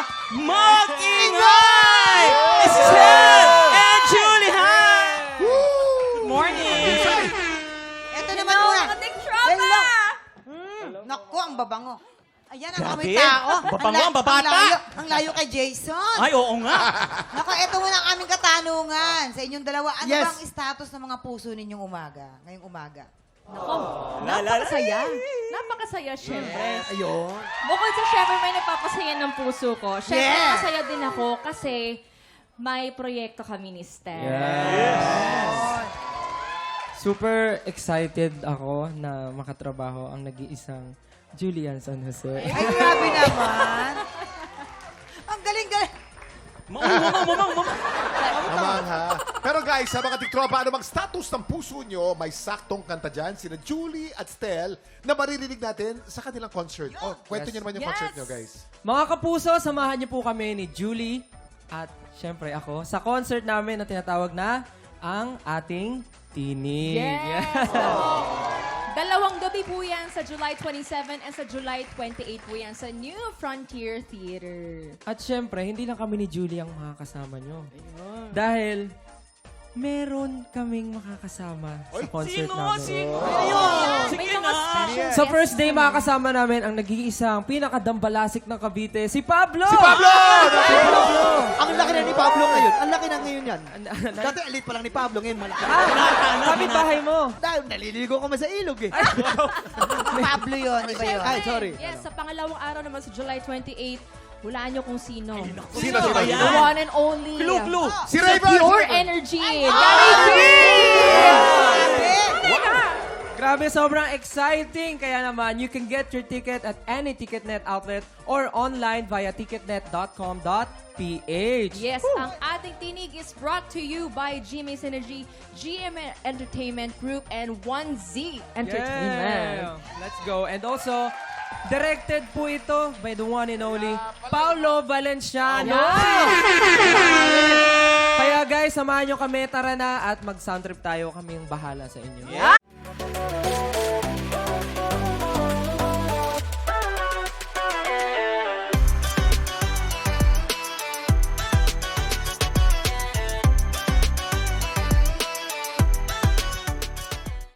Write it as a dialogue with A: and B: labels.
A: mag-ingay! Estelle and Julie, hi! Good morning!
B: Ito naman muna.
C: Ating tropa!
B: Naku, ang babango. Ayan ang
A: Grabe.
B: aming tao.
A: Babango, ang babata.
B: Ang layo kay Jason.
A: Ay, oo nga.
B: Naku, ito muna ang aming katanungan sa inyong dalawa. Ano
D: Yes.
B: bang status ng mga puso ninyong ngayong umaga?
C: Napakasaya. Napakasaya, syempre.
D: Ayun.
C: Bukod sa syempre may nagpapasaya ng puso ko, syempre
D: Yeah.
C: masaya din ako kasi may proyekto kami ni Steph.
E: Super excited ako na makatrabaho ang nag-iisang Julian San Jose.
B: Ay, grabe naman. Ang galing-galing.
A: Mamang.
F: Naman ha. Pero guys, sa mga tiktropa, ano bang status ng puso nyo? May saktong kanta dyan, sina Julie at Stel, na maririnig natin sa kanilang concert. Oh, kwento nyo naman yung concert nyo, guys.
E: Mga kapuso, samahan niyo po kami ni Julie at syempre ako sa concert namin na tinatawag na Ang Ating Tinig.
C: Yes! Dalawang gabi po yan sa July 27 and sa July 28 po yan sa New Frontier Theater.
E: At syempre, hindi lang kami ni Julie ang makakasama nyo. Dahil meron kaming makakasama sa concert namin.
A: Sino?
C: May mga special
E: Sa
C: guests
E: first day,
C: naman.
E: makakasama namin ang nag-iisang pinakadambalasik ng Cavite, si Pablo!
F: Si Pablo!
D: Ang laki na ni Pablo ngayon. Ang laki na ngayon yan. Dati alit pa lang ni Pablo, ngayon malaki.
E: Kapit bahay mo.
D: Dahil naliligo ko man sa ilog eh.
B: Pablo yun, iba yun.
D: Ay, sorry.
C: Yes, sa pangalawang araw naman sa July 28, hulaan nyo kung sino.
F: Sino?
A: Ayan.
C: The one and only.
A: Clue.
F: Si Raven!
C: Pure Energy. Gary
E: Grabe, sobrang exciting. Kaya naman, you can get your ticket at any TicketNet outlet or online via ticketnet.com.ph.
C: Yes, ang ating tinig is brought to you by GMA Synergy, GM Entertainment Group, and 1Z Entertainment.
E: Yeah. Let's go. And also, directed po ito by the one and only Paulo Valenciano. Kaya guys, samahan nyo kami. Tara na at mag-sound trip tayo. Kaming bahala sa inyo.